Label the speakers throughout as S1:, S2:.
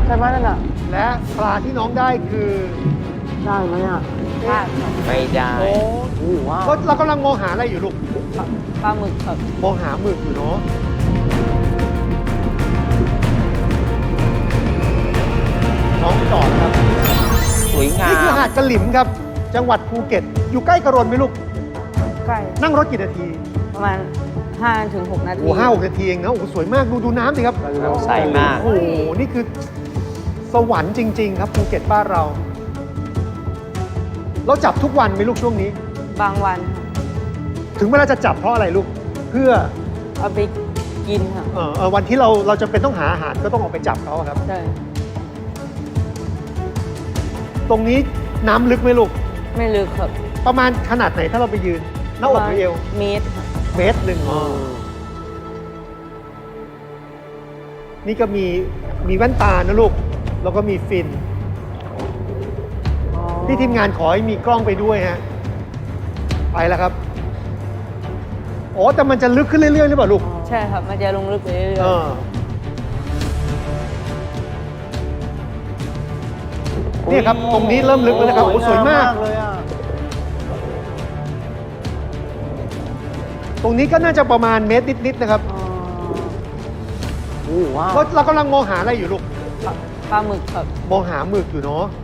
S1: ใช่ไหมนั่นน่ะ
S2: และปลาที่น้องได้คือ
S1: ได้ไหมอ่ะ
S3: ไม่ได้
S1: โอ้ว้าว
S2: เรากำลังมองหาอะไรอยู่ลูก
S4: ปลาหมึกครับ
S2: มองหาหมึกอยู่เนาะน้องจอดครับ
S3: สวยงา
S2: นี่คือ
S3: ม
S2: หาดกะหลิมครับ จังหวัดภูเก็ต อยู่ใกล้กระรนไหมลูก
S4: ใกล้
S2: นั่งรถกี่นาที
S4: ประมาณ5 ถึง 6 นาที
S2: โอ้5-6 นาทีเองนะโอ้โหสวยมากดูน้ำสิครับ
S3: ใสมาก
S2: โอ้โหนี่คือสวรรค์จริง ๆ ครับภูเก็ตบ้านเรา เราจับทุกวันไหมลูกช่วงนี้
S4: บางวันครับ
S2: ถึงเวลาจะจับเพราะอะไรลูก เพื่อ
S4: เอาไปกินครับ
S2: วันที่เราจะเป็นต้องหาอาหารก็ต้องออกไปจับเขาครับ
S4: ใช่
S2: ตรงนี้น้ำลึกไหมลูก
S4: ไม่ลึกครับ
S2: ประมาณขนาดไหนถ้าเราไปยืนหน้าอกหรือเอว
S4: เมตรครับ
S2: เมตรหนึ่งนี่ก็มีแว่นตานะลูก แล้วก็มีฟินที่ทีมงานขอให้มีกล้องไปด้วยฮะ ไปแล้วครับอ๋อแต่มันจะลึกขึ้นเรื่อยๆหรือเปล่าลูก
S4: ใช่ครับ มันจะลงลึกไปเรื่อย
S2: เออเนี่ยครับ ตรงนี้เริ่มลึกแล้วนะครับ โอ้สวยมาก
S1: เลยอ่ะ
S2: ตรงนี้ก็น่าจะประมาณเมตรนิดๆนะครับ
S1: โอ้ว้าว
S2: เรากำลังมองหาอะไรอยู่ลูก
S4: ๆปลาหมึกครับ
S2: มองหาหมึกอยู่เนาะ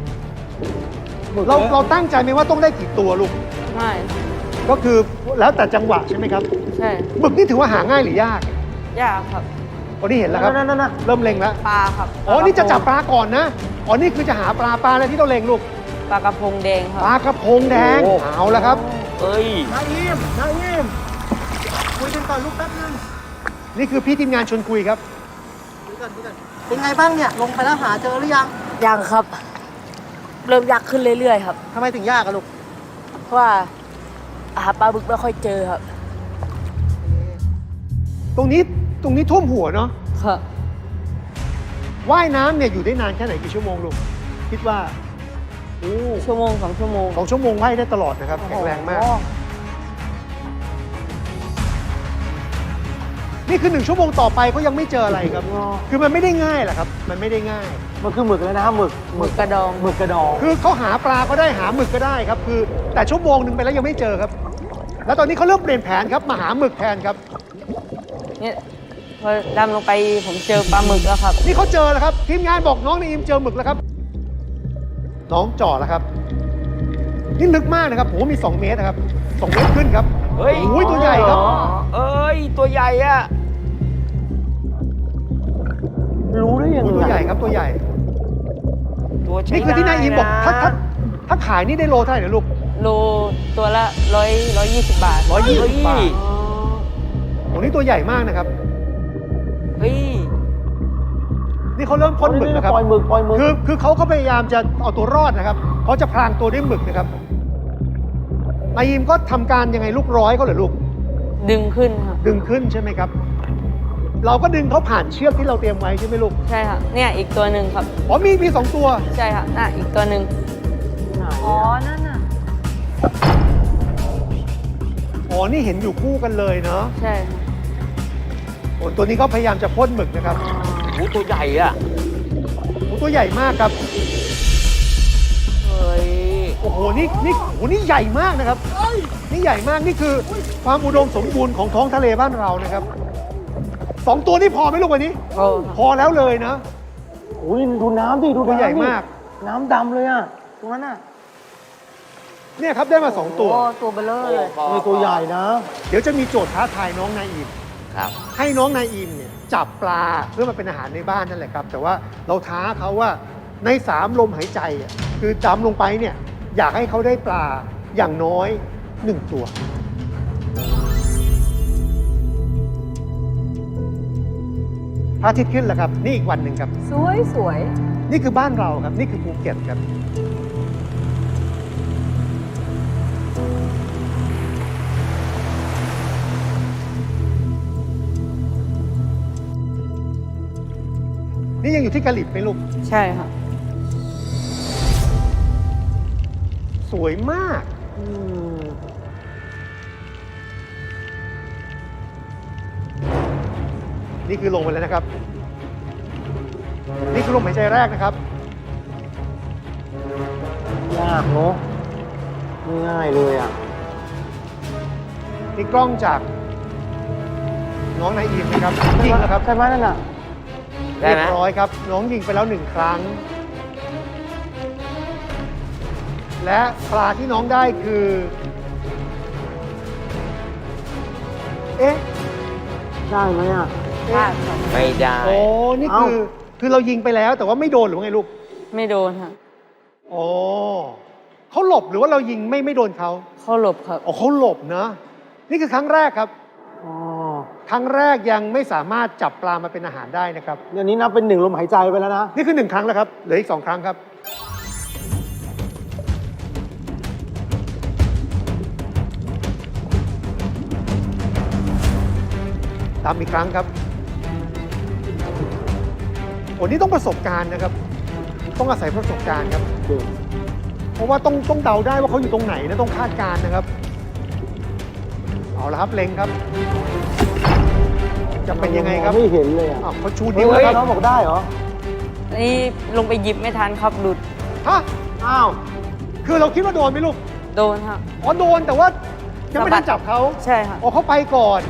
S2: เราตั้งใจไหมว่าต้องได้กี่ตัวลูก
S4: ไม่
S2: ก็คือแล้วแต่จังหวะใช่ไหมครับ
S4: ใช่
S2: หมึกนี่ถือว่าหาง่ายหรือยาก
S4: ยากครับ
S2: อ๋อนี่เห็นแล้วครับ
S1: นั่น
S2: เริ่มเล็งแล้ว
S4: ปลาครับ
S2: อ๋อ นี่จะจับปลาก่อนนะ อ๋อ นี่คือจะหาปลาอะไรที่เราเล็งลูก
S4: ปลากระพงแดงค
S2: ป
S4: รับ
S2: ลากระพงแดง เอาแล้วครับ
S3: เอ้ย
S1: นายอิมคุยกันก่อนลูกแป๊บนึง
S2: นี่คือพี่ทีมงานชวนคุยครับ
S1: คุยกันเป็นไงบ้างเนี่ย ลงไปแล้วหาเจอหรือยัง
S4: ยังครับ เริ่มยากขึ้นเรื่อยๆครับ
S1: ทำไมถึงยากอะลูก
S4: เพราะว่าหาปลาบึกไม่ค่อยเจอครับ
S2: ตรงนี้ท่วมหัวเนาะ
S4: ครับ
S2: ว่ายน้ำเนี่ยอยู่ได้นานแค่ไหนกี่ชั่วโมงลูก คิดว่า โอ้
S4: ชั่วโมง 2 ชั่วโมง
S2: 2 ชั่วโมงว่ายได้ตลอดนะครับ แข็งแรงมาก นี่คือ1 ชั่วโมงต่อไปก็ยังไม่เจออะไรครับ คือมันไม่ได้ง่ายแหละครับ มันไม่ได้ง่าย
S1: มันคือหมึกเลยนะหมึก
S4: หมึกกระดอง
S1: หมึกกระดอง
S2: คือเขาหาปลาก็ได้หาหมึกก็ได้ครับ คือแต่ชั่วโมงหนึ่งไปแล้วยังไม่เจอครับ แล้วตอนนี้เขาเริ่มเปลี่ยนแผนครับมาหาหมึกแทนครับ
S4: เนี่ยพอดำลงไปผมเจอปลาหมึกแล้วครับ
S2: นี่เขาเจอแล้วครับ ทีมงานบอกน้องในอิมเจอหมึกแล้วครับ น้องจ่อแล้วครับ นี่ลึกมากนะครับโอ้โหมี 2 เมตรนะครับ 2 เมตรขึ้นครับ
S3: เฮ้ย
S2: โอ้ยตัวใหญ่ครับ
S3: เอ้ย ตัวใหญ่อะ
S1: รู้ได้ยัง
S2: โอ้ย
S1: ไง
S2: ตัวใหญ่ครับตัวใหญ่
S3: ตัวใช้
S2: นี่คือที่นายอิมบอก
S3: ได้นะ
S2: ถ้าขายนี่ได้โลเท่าไหร่นะลูก
S4: โลตัวละ120 บาท
S2: 120 บาทโอ้นี่ตัวใหญ่มากนะครับ
S3: เฮ้ย
S2: นี่เขาเริ่มพ่นหมึกนะครับ
S1: ปล่อยหมึกปล่อยหมึก
S2: คือเขาก็พยายามจะเอาตัวรอดนะครับ เขาจะพรางตัวด้วยหมึกนะครับ นายอิมก็ทำการยังไงลูกร้อยเขาเหรอลูก
S4: ดึงขึ้นครับ
S2: ดึงขึ้นใช่ไหมครับ เราก็ดึงเขาผ่านเชือกที่เราเตรียมไว้ใช่ไหมลูก
S4: ใช่ครับ เนี่ยอีกตัวหนึ่งครับ
S2: อ๋อมี2 ตัว
S4: ใช่ครับน่ะอีกตัวหนึ่ง
S1: อ๋อ
S4: นั่นน่ะ
S2: อ๋อ นี่เห็นอยู่คู่กันเลยเนาะ
S4: ใช่ครับ
S2: โอ้ตัวนี้ก็พยายามจะพ่นหมึกนะครับ
S3: โอ้ตัวใหญ่อะ
S2: โอ้ตัวใหญ่มากครับ
S3: เฮ้ย
S2: โอ้โห นี่ใหญ่มากนะครับ นี่ใหญ่มาก นี่คือความอุดมสมบูรณ์ของท้องทะเลบ้านเรานะครับ 2 ตัวนี่พอไหมลูกวันนี้
S4: โอ้
S2: พอแล้วเลยนะ
S1: โอ้ยดูน้ำดิดู
S2: ตัว
S1: น้ำ
S2: ใหญ่
S1: ดิ
S2: มาก
S1: น้ำดำเลยอ่ะ ตรงนั้นอ่ะ
S2: เนี่ยครับได้มา 2 ตัว
S4: โอ้ตัวเบลเลอร์เลย
S1: นี่ตัวใหญ่นะ
S2: เดี๋ยวจะมีโจทย์ท้าทายน้องนายอิม
S3: ครับ
S2: ให้น้องนายอิมเนี่ยจับปลาเพื่อมาเป็นอาหารในบ้านนั่นแหละครับ แต่ว่าเราท้าเขาว่าใน3 ลมหายใจอ่ะคือดำลงไปเนี่ยอยากให้เขาได้ปลาอย่างน้อย 1 ตัว พระอาทิตย์ขึ้นแล้วครับ นี่อีกวันหนึ่งครับ
S4: สวย
S2: นี่คือบ้านเราครับ นี่คือภูเก็ตครับ นี่ยังอยู่ที่กะหลิบไหมลูก
S4: ใช่ครับ
S2: สวยมาก นี่คือลงไปแล้วนะครับนี่คือลมหายใจแรกนะครับ
S1: ยากเนาะไม่ง่ายเลยอ่ะ
S2: นี่กล้องจากน้องนายอีมนะครับยิงแล้วครับ
S1: ใช่ไหมนั่นน่ะ
S3: ได้
S2: เรีย
S3: ไหม
S2: บร้อยครับ น้องยิงไปแล้ว1 ครั้ง และปลาที่น้องได้คือ เอ๊ะ
S1: ได้ไหมอ่ะ
S4: พลาดครับ
S3: ไม่ได้
S2: โอ้นี่คือเรายิงไปแล้วแต่ว่าไม่โดนหรือว่าไงลูก
S4: ไม่โดนค่ะ
S2: อ๋อเขาหลบหรือว่าเรายิงไม่โดนเขา
S4: เข้าหลบครับ
S2: อ๋อเขาหลบนะ นี่คือครั้งแรกครับ
S1: อ๋อ
S2: ครั้งแรกยังไม่สามารถจับปลามาเป็นอาหารได้นะครับ
S1: เดี๋ยวนี้นับเป็น1 ลมหายใจไปแล้วนะ
S2: นี่คือ1 ครั้งแล้วครับ เหลืออีก2 ครั้งครับ ตามอีกครั้งครับโอ้นี่ต้องประสบการณ์นะครับ ต้องอาศัยประสบการณ์ครับ เพราะว่าต้องเดาได้ว่าเขาอยู่ตรงไหนนะต้องคาดการณ์นะครับ เอาละครับเล็งครับ จะเป็นยังไงครับ
S1: ไม่เห็นเลยอ่ะ
S2: อ้าวเขาชูนิ้วแล้วครับ
S1: น้องบอกได้เหรอ
S4: นี่ลงไปหยิบไม่ทันครับหลุด
S2: ฮะ
S1: อ้าว
S2: คือเราคิดว่าโดนไหมลูก
S4: โดนครับ
S2: อ๋อโดนแต่ว่ายังไม่ได้จับเขา
S4: ใช่ครับ
S2: อ๋อเขาไปก่อน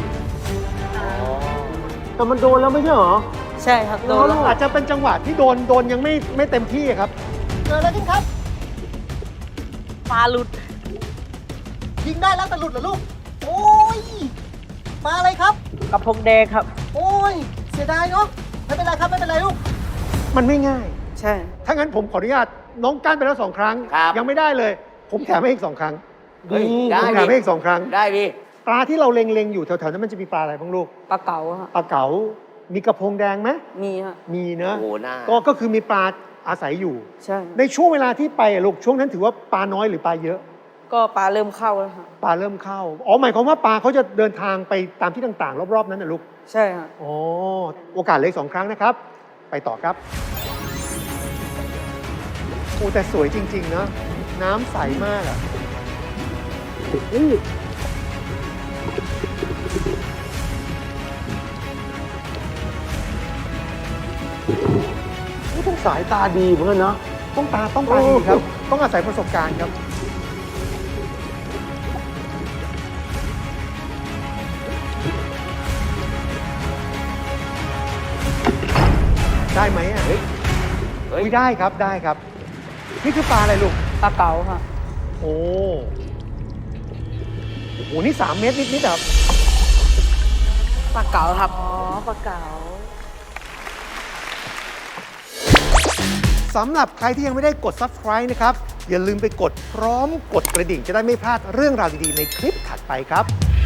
S1: แต่มันโดนแล้วไม่ใช่เหรอ
S4: ใช่ครับ โดนแล้ว
S2: อาจจะเป็นจังหวะที่โดนยังไม่เต็มที่ครับ
S5: เกิดอะไรขึ้นครับ
S4: ปลาหลุด
S5: ยิงได้แล้วแต่หลุดเหรอลูก โอ้ย มาอะไรครับ
S4: กระพงแดงครับ
S5: โอ้ย เสียดายเนาะ ไม่เป็นไรครับ ไม่เป็นไรลูก
S2: มันไม่ง่าย
S4: ใช่
S2: ถ้างั้นผมขออนุญาตน้องกั้นไปแล้ว2 ครั้ง
S3: ครับ
S2: ยังไม่ได้เลย ผมแถมให้อีก2 ครั้ง
S3: เฮ้ย
S2: ผ
S3: ได้
S2: มแถ
S3: ดิ
S2: มให้อีก2 ครั้ง
S3: ได้ดิ
S2: ปลาที่เราเล็งๆอยู่แถวๆนั้นมันจะมีปลาอะไรบ้างลูก
S4: ปลาเก๋าครับ
S2: ปลาเก๋า มีกระพงแดงไหม
S4: มีครับ
S2: มีเนอะ
S3: โอ้โหน่า
S2: ก็คือมีปลาอาศัยอยู่
S4: ใช่
S2: ในช่วงเวลาที่ไปอะลูกช่วงนั้นถือว่าปลาน้อยหรือปลาเยอะ
S4: ก็ปลาเริ่มเข้าแล้วครับ
S2: ปลาเริ่มเข้า อ๋อหมายความว่าปลาเขาจะเดินทางไปตามที่ต่างๆ รอบๆนั้นนะลูก
S4: ใช่ครับ
S2: อ๋อ โอกาสเหลย2 ครั้งนะครับ ไปต่อครับ โอ้แต่สวยจริง ๆ นะ น้ำใสมากอะ
S1: ต้องสายตาดีเหมือนกันนะ
S2: ต้องตาดีครับ ต้องอาศัยประสบการณ์ครับ ได้ไหมอ่ะ
S3: เฮ้ย
S2: อุ๊ยได้ครับได้ครับ นี่คือปลาอะไรลูก
S4: ปลาเก๋าครับ
S2: โอ้โห นี่3 เมตรนิดๆครับ
S4: ปลาเก๋าครับ อ๋อ ปลาเก๋า
S2: สำหรับใครที่ยังไม่ได้กด Subscribe นะครับ อย่าลืมไปกดพร้อมกดกระดิ่งจะได้ไม่พลาดเรื่องราวดีๆในคลิปถัดไปครับ